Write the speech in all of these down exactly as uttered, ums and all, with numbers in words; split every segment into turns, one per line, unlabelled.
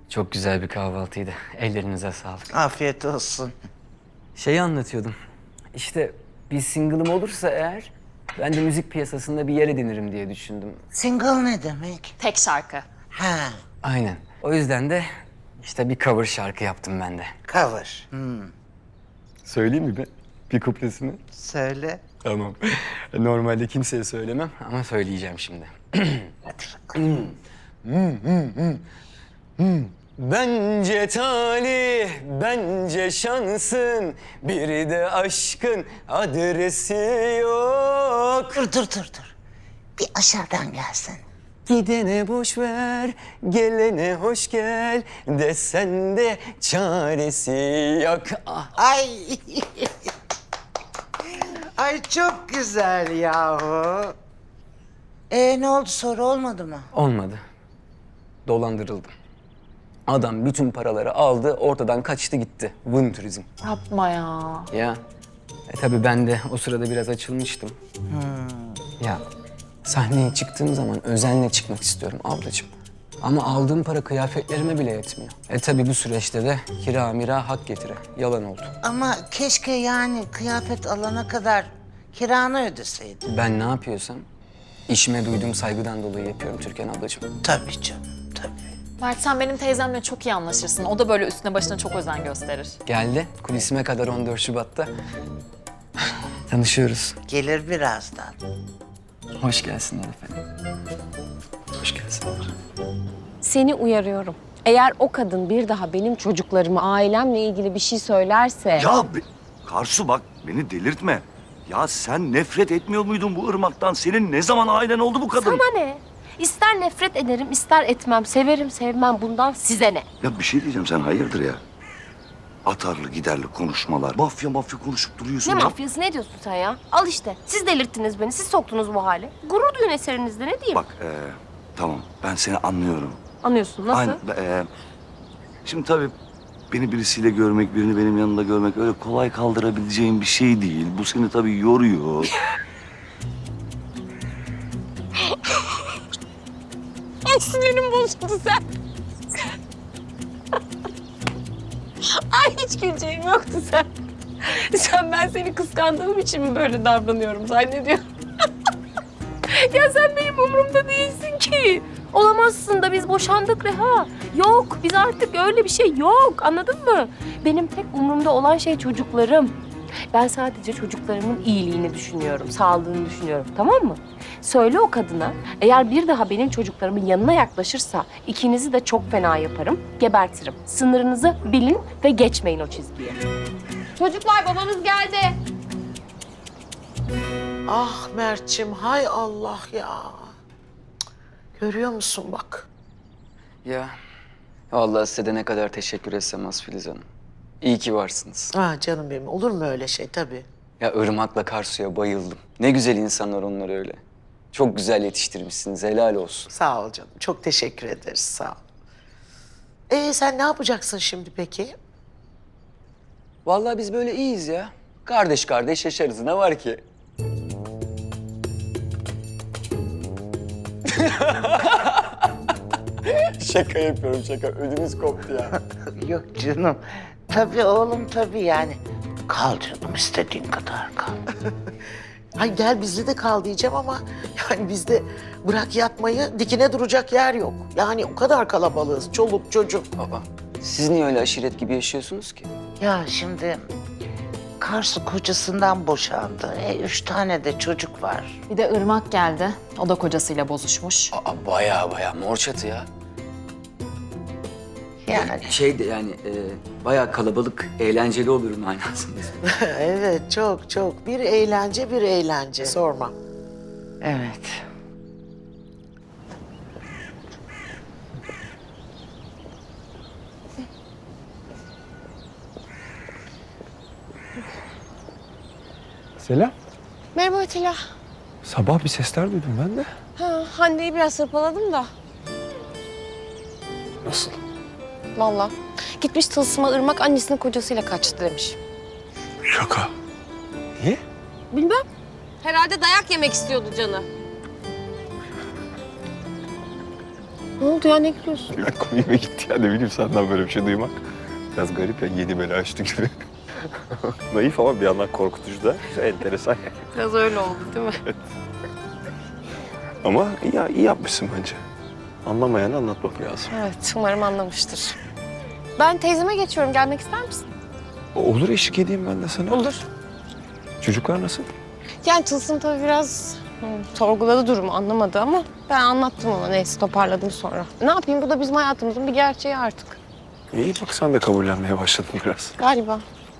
Çok güzel bir kahvaltıydı. Ellerinize sağlık.
Afiyet olsun.
Şeyi anlatıyordum. İşte bir single'ım olursa eğer ben de müzik piyasasında bir yer edinirim diye düşündüm.
Single ne demek?
Tek şarkı.
Ha,
Aynen. O yüzden de işte bir cover şarkı yaptım ben de.
cover. Hmm.
Söyleyeyim mi ben? Bir kuplesini.
Söyle.
Tamam. Normalde kimseye söylemem ama söyleyeceğim şimdi.
Hadi bakalım.
Bence talih, bence şansın, bir de aşkın adresi yok.
Dur, dur, dur, dur. Bir aşağıdan gelsin.
Gidene boş ver, gelene hoş gel, desen de çaresi yok. Ah.
Ay. Ay çok güzel yahu. Ee ne oldu, soru olmadı mı?
Olmadı. Dolandırıldım. Adam bütün paraları aldı, ortadan kaçtı gitti. Vın turizm.
Yapma ya.
Ya. E tabii ben de o sırada biraz açılmıştım. Ya sahneye çıktığım zaman özenle çıkmak istiyorum ablacığım. Ama aldığım para kıyafetlerime bile yetmiyor. E tabii bu süreçte de kira mira hak getire. Yalan oldu.
Ama keşke yani kıyafet alana kadar kiranı ödeseydin.
Ben ne yapıyorsam işime duyduğum saygıdan dolayı yapıyorum Türkan ablacığım.
Tabii canım, tabii.
Mert sen benim teyzemle çok iyi anlaşırsın. O da böyle üstüne başına çok özen gösterir.
Geldi kulisime kadar on dört Şubat'ta. Tanışıyoruz.
Gelir birazdan.
Hoş gelsinler efendim. Hoş gelsinler.
Seni uyarıyorum. Eğer o kadın bir daha benim çocuklarıma, ailemle ilgili bir şey söylerse...
Ya be- Karsu bak beni delirtme. Ya sen nefret etmiyor muydun bu ırmaktan? Senin ne zaman ailen oldu bu kadın?
Sana ne? İster nefret ederim, ister etmem. Severim, sevmem. Bundan size ne?
Ya bir şey diyeceğim, sen hayırdır ya? Atarlı giderli konuşmalar. Mafya mafya konuşup duruyorsun
Ne
ya.
mafyası, ne diyorsun sen ya? Al işte. Siz delirttiniz beni, siz soktunuz bu hale. Gurur duyun eserinizde, ne diyeyim?
Bak ee, tamam ben seni anlıyorum.
Anlıyorsun, nasıl?
Aynen, ee, şimdi tabii beni birisiyle görmek, birini benim yanında görmek öyle kolay kaldırabileceğim bir şey değil. Bu seni tabii yoruyor.
Ay sinirim bozuldu sen. Ay hiç güleceğim yoktu sen. Sen ben seni kıskandığım için mi böyle davranıyorum zannediyorum? Ya sen benim umurumda değilsin ki. Olamazsın da biz boşandık Reha. Yok biz artık öyle bir şey yok, anladın mı? Benim tek umurumda olan şey çocuklarım. Ben sadece çocuklarımın iyiliğini düşünüyorum, sağlığını düşünüyorum, tamam mı? Söyle o kadına, eğer bir daha benim çocuklarımın yanına yaklaşırsa ikinizi de çok fena yaparım, gebertirim. Sınırınızı bilin ve geçmeyin o çizgiyi. Çocuklar babanız geldi.
Ah Mert'ciğim, hay Allah ya. Cık, görüyor musun bak.
Ya vallahi size de ne kadar teşekkür etsem az Filiz Hanım. İyi ki varsınız.
Ah canım benim, olur mu öyle şey tabii.
Ya Irmak'la Karsu'ya bayıldım. Ne güzel insanlar onlar öyle. Çok güzel yetiştirmişsiniz, helal olsun.
Sağ ol canım, çok teşekkür ederiz, sağ ol. Ee sen ne yapacaksın şimdi peki?
Vallahi biz böyle iyiyiz ya. Kardeş kardeş yaşarız, ne var ki? Şaka yapıyorum şaka, ödümüz koptu ya.
Yok canım. Tabii oğlum, tabii yani. Kal canım, istediğin kadar kal.
Ay gel bizde de kal diyeceğim ama yani bizde bırak yatmayı, dikine duracak yer yok. Yani o kadar kalabalığız, çoluk çocuk.
Baba, siz niye öyle aşiret gibi yaşıyorsunuz ki?
Ya şimdi Karsu kocasından boşandı. E, üç tane de çocuk var.
Bir de Irmak geldi. O da kocasıyla bozuşmuş.
Aa, baya baya mor çatı ya.
Yani
Şey de yani e, bayağı kalabalık, eğlenceli olur manasında.
Evet, çok çok. Bir eğlence, bir eğlence. Sorma.
evet.
Selam.
Merhaba Atilla.
Sabah bir sesler duydum ben de.
Ha, Hande'yi biraz hırpaladım da.
Nasıl?
Vallahi. Gitmiş tılsıma Irmak annesinin kocasıyla kaçtı demiş.
Şaka. Niye?
Bilmem. Herhalde dayak yemek istiyordu canı. Ne oldu ya, ne gülüyorsun?
Ya komiğime gitti ya, ne bileyim senden böyle bir şey duymak. Biraz garip ya, yeni bela açtı gibi. Naif ama bir yandan korkutucu da. Enteresan.
Biraz öyle oldu değil mi?
Ama iyi, iyi yapmışsın bence. Anlamayanı anlatmak lazım.
Evet, umarım anlamıştır. Ben teyzeme geçiyorum. Gelmek ister misin?
Olur, eşlik edeyim ben de sana.
Olur.
Çocuklar nasıl?
Yani Tılsım tabii biraz hı, sorguladı durumu, anlamadı ama ben anlattım ona. Neyse, toparladım sonra. Ne yapayım, bu da bizim hayatımızın bir gerçeği artık.
İyi bak, sen de kabullenmeye başladın biraz.
Galiba.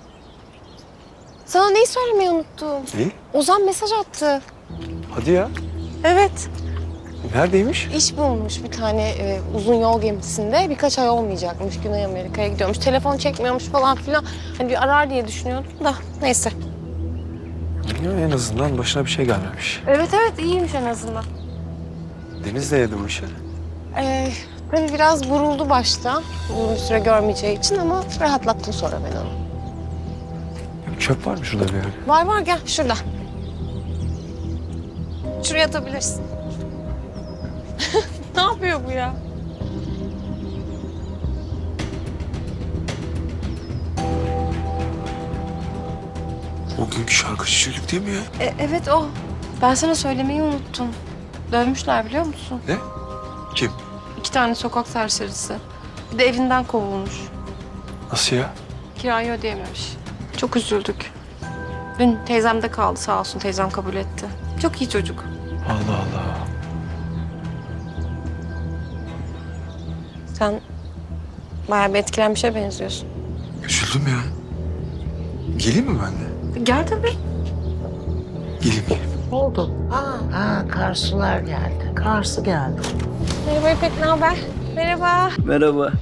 Sana neyi söylemeyi unuttum?
İyi.
Ozan mesaj attı.
Hadi ya.
Evet.
Neredeymiş?
İş bulmuş bir tane e, uzun yol gemisinde. Birkaç ay olmayacakmış. Güney Amerika'ya gidiyormuş. Telefon çekmiyormuş falan filan. Hani bir arar diye düşünüyordum da. Neyse.
Ya, en azından başına bir şey gelmemiş.
Evet evet, iyiymiş en azından.
Deniz de yedi bu işi.
Ee, tabii biraz buruldu başta. Uzun bir süre görmeyeceği için ama rahatlattım sonra ben onu.
Çöp var mı şurada bir yerde?
Var var, gel şurada. Şuraya atabilirsin. Ne yapıyor bu ya?
O günkü şarkıcı çocuk değil mi ya?
E, evet o. Ben sana söylemeyi unuttum. Dövmüşler biliyor musun?
Ne? Kim?
İki tane sokak serserisi. Bir de evinden kovulmuş.
Nasıl ya?
Kirayı ödeyememiş. Çok üzüldük. Dün teyzemde kaldı sağ olsun. Teyzem kabul etti. Çok iyi çocuk.
Allah Allah.
Sen bayağı bir etkilenmişe benziyorsun.
Üzüldüm ya. Geleyim mi ben de?
Gel tabii.
Geleyim geleyim.
Ne oldu? Ha,
Ha, Karsular geldi.
Karsı geldi.
Merhaba İpek, ne haber? Merhaba.
Merhaba.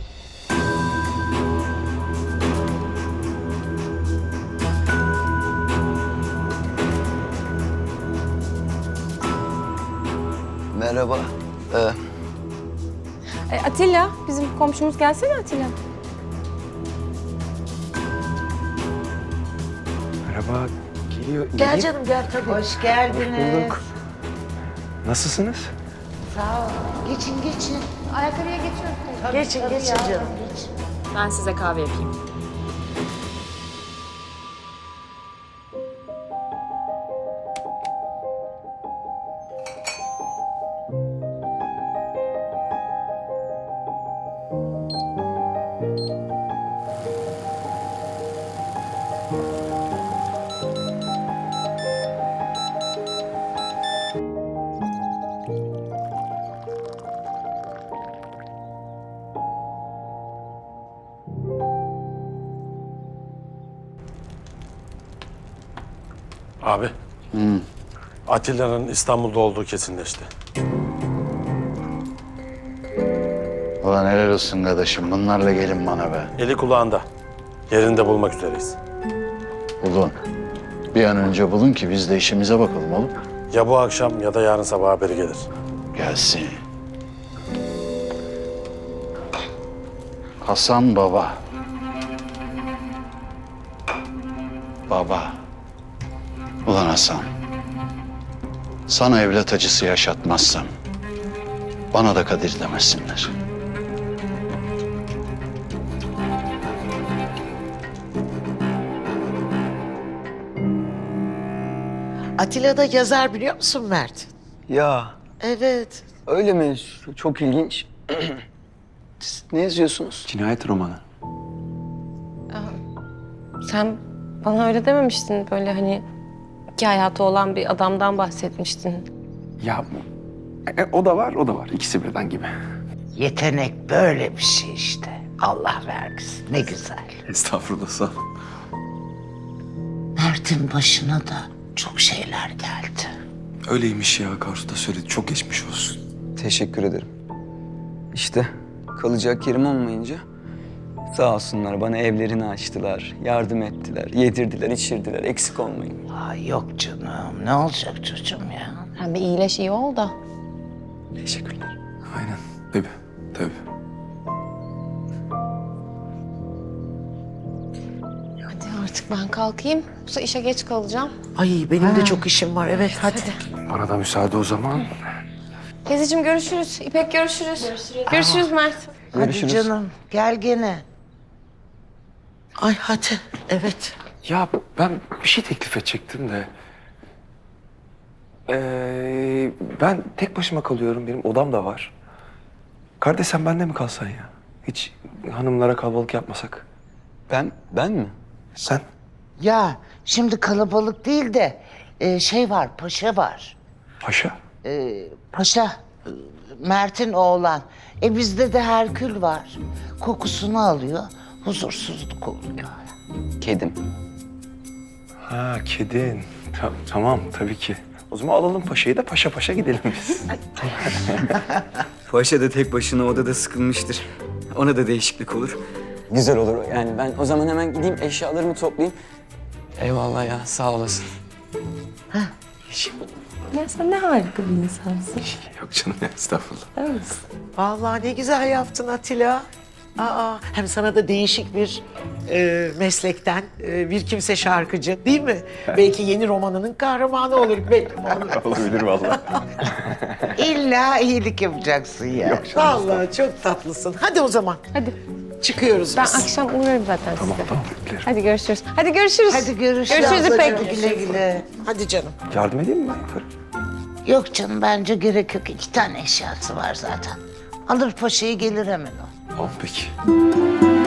Merhaba. Ee,
E, Atilla, bizim komşumuz gelsene Atilla.
Merhaba. Geliyor.
Gel
geleyim.
canım gel tabii.
Hoş geldiniz.
bulduk. Nasılsınız?
Sağ ol. Geçin geçin.
Ayakkabıya geçiyoruz.
Geçin geçin canım.
Ben size kahve yapayım.
Abi. Atilla'nın İstanbul'da olduğu kesinleşti.
Ulan helal olsun kardeşim. Bunlarla gelin bana be.
Eli kulağında. Yerinde bulmak üzereyiz.
Bulun. Bir an önce bulun ki biz de işimize bakalım oğlum.
Ya bu akşam ya da yarın sabah haberi gelir.
Gelsin. Hasan baba. Baba. Ulan Hasan. Sana evlat acısı yaşatmazsam bana da Kadir demesinler.
Atilla da yazar biliyor musun Mert?
ya
Evet.
öyle mi? Çok ilginç. Siz ne yazıyorsunuz?
Cinayet romanı.
Sen bana öyle dememiştin, böyle hani iki hayatı olan bir adamdan bahsetmiştin.
Ya e, o da var, o da var. İkisi birden gibi.
Yetenek böyle bir şey işte. Allah vergisi. Ne güzel.
Estağfurullah, sağ ol.
Mert'in başına da çok şeyler geldi.
Öyleymiş ya, Karsu da söyledi. Çok geçmiş olsun.
Teşekkür ederim. İşte kalacak yerim olmayınca sağ olsunlar bana evlerini açtılar, yardım ettiler, yedirdiler, içirdiler. Eksik olmayın.
Ay yok canım. Ne olacak çocuğum ya?
Sen bir iyileş, iyi ol da.
Teşekkürler.
Aynen. Tabii, tabii.
Hadi artık ben kalkayım. Yoksa işe geç kalacağım.
Ay benim de çok işim var. Evet hadi.
Bana da müsaade o zaman.
Teyzeciğim görüşürüz. İpek görüşürüz. Görüşürüz, görüşürüz Mert.
Hadi
Görüşürüz.
canım gel gene.
Ay hadi, evet.
Ya ben bir şey teklif edecektim de. Ee, ben tek başıma kalıyorum. Benim odam da var. Kardeş sen bende mi kalsan ya? Hiç hanımlara kalabalık yapmasak.
Ben, ben mi?
Sen?
Ya şimdi kalabalık değil de e, şey var paşa var.
Paşa.
E, paşa e, Mert'in oğlan. E bizde de Herkül var. Kokusunu alıyor. Huzursuzluk oluyor.
Kedim.
Ha kedin. Ta- tamam tabii ki. O zaman alalım paşayı da paşa paşa gidelim biz.
Paşa da tek başına odada sıkılmıştır. Ona da değişiklik olur. Güzel olur. Yani ben o zaman hemen gideyim eşyalarımı toplayayım. Eyvallah ya, sağ olasın.
Ya sen ne harika bir insansın.
Yok canım ya estağfurullah.
Değil misin?
Vallahi ne güzel yaptın Atilla. Aa, hem sana da değişik bir e, meslekten e, bir kimse şarkıcı değil mi? Belki yeni romanının kahramanı olur. Belki olur.
Olabilir vallahi.
İlla iyilik yapacaksın ya.
Vallahi çok tatlısın. Hadi o zaman.
Hadi.
Çıkıyoruz
Ben
biz.
akşam uğrarım zaten
Tamam
size.
tamam beklerim.
Hadi görüşürüz. Hadi görüşürüz.
Hadi görüşürüz.
Görüşürüz İpek.
Hadi güle güle.
Hadi canım.
Yardım edeyim mi ben yaparım?
Yok canım bence gerek yok. İki tane eşyası var zaten. Alır paşayı gelir hemen o.
Tamam peki.